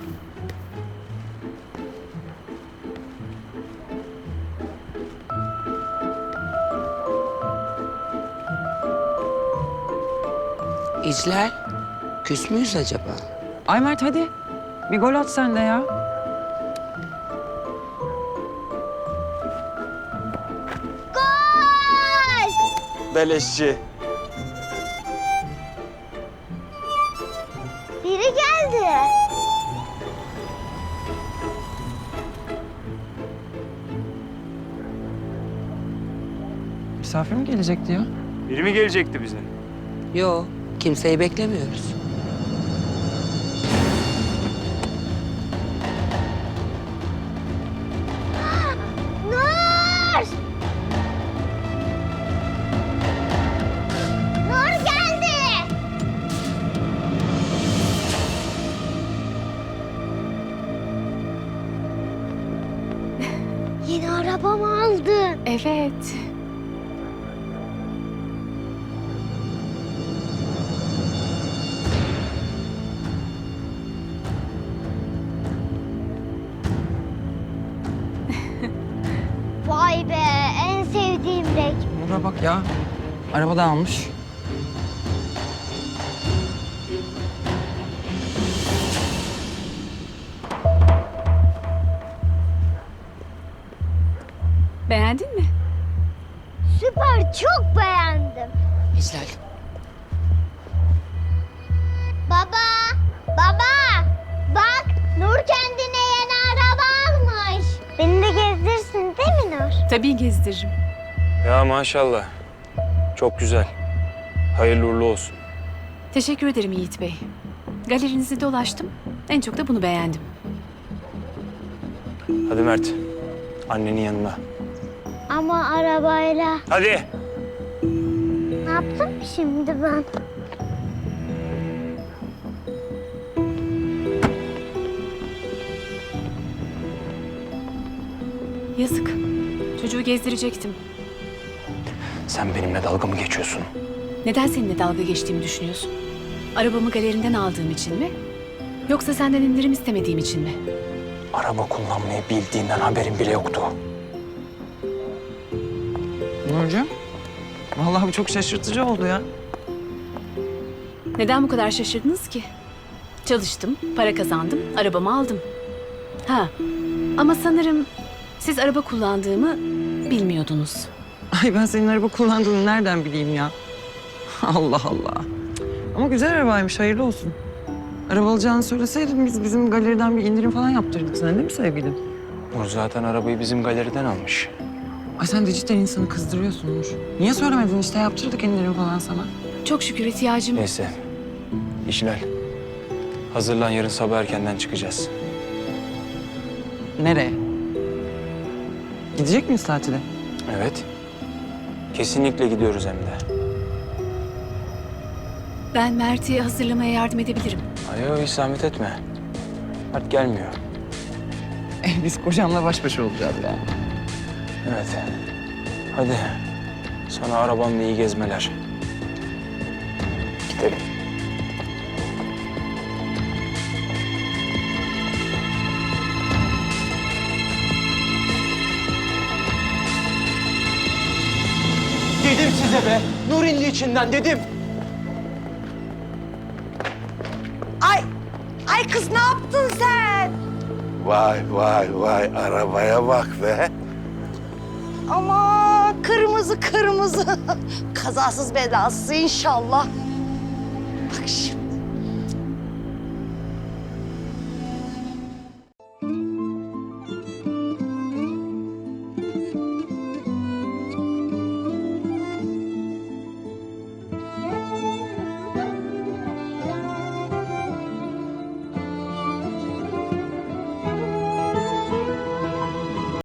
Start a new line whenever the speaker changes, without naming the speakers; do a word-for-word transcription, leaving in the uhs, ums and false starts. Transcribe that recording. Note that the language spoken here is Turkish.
İclal, küs müyüz acaba?
Ay Mert hadi. Bir gol at sen de ya.
Beleşçi.
Biri geldi.
Misafir mi gelecekti ya?
Biri mi gelecekti bize?
Yo, kimseyi beklemiyoruz.
Nur! Nur geldi. Yeni arabamı aldın.
Evet.
Vay be, en sevdiğim renk.
Nur'a bak ya. Arabada almış.
Beğendin mi?
Süper, çok beğendim.
İclal,
Baba, baba, bak Nur kendine yeni araba almış. Beni de gezdirsin değil mi Nur?
Tabii gezdiririm.
Ya maşallah. Çok güzel. Hayırlı uğurlu olsun.
Teşekkür ederim Yiğit Bey. Galerinizi dolaştım. En çok da bunu beğendim.
Hadi Mert. Annenin yanına.
Ama arabayla.
Hadi.
Ne yaptım şimdi ben?
Yazık. Çocuğu gezdirecektim.
Sen benimle dalga mı geçiyorsun?
Neden seninle dalga geçtiğimi düşünüyorsun? Arabamı galerinden aldığım için mi? Yoksa senden indirim istemediğim için mi?
Araba kullanmayı bildiğinden haberin bile yoktu.
Nurcuğum. Vallahi bu çok şaşırtıcı oldu ya.
Neden bu kadar şaşırdınız ki? Çalıştım, para kazandım, arabamı aldım. Ha, ama sanırım siz araba kullandığımı bilmiyordunuz.
Ay ben senin araba kullandığını nereden bileyim ya? Allah Allah. Ama güzel arabaymış, hayırlı olsun. Araba alacağını söyleseydin biz bizim galeriden bir indirim falan yaptırdık sana değil mi sevgilim?
Nur zaten arabayı bizim galeriden almış.
Ay sen de cidden insanı kızdırıyorsun Nur. Niye söylemedin işte yaptırdık indirim falan sana.
Çok şükür ihtiyacım...
Neyse. İşlal. Hazırlan, yarın sabah erkenden çıkacağız.
Nereye? Gidecek miyiz tatile?
Evet. Kesinlikle gidiyoruz hem de.
Ben Mert'i hazırlamaya yardım edebilirim.
Ay hiç zahmet etme. Mert gelmiyor.
Eh, biz kocamla baş başa olacağız yani.
Evet. Hadi. Sana arabamla iyi gezmeler. Gidelim.
Dedim size be, Nurilli içinden dedim.
Ay, ay kız ne yaptın sen?
Vay vay vay arabaya bak be.
Ama kırmızı kırmızı. Kazasız belasız inşallah. Bak şimdi.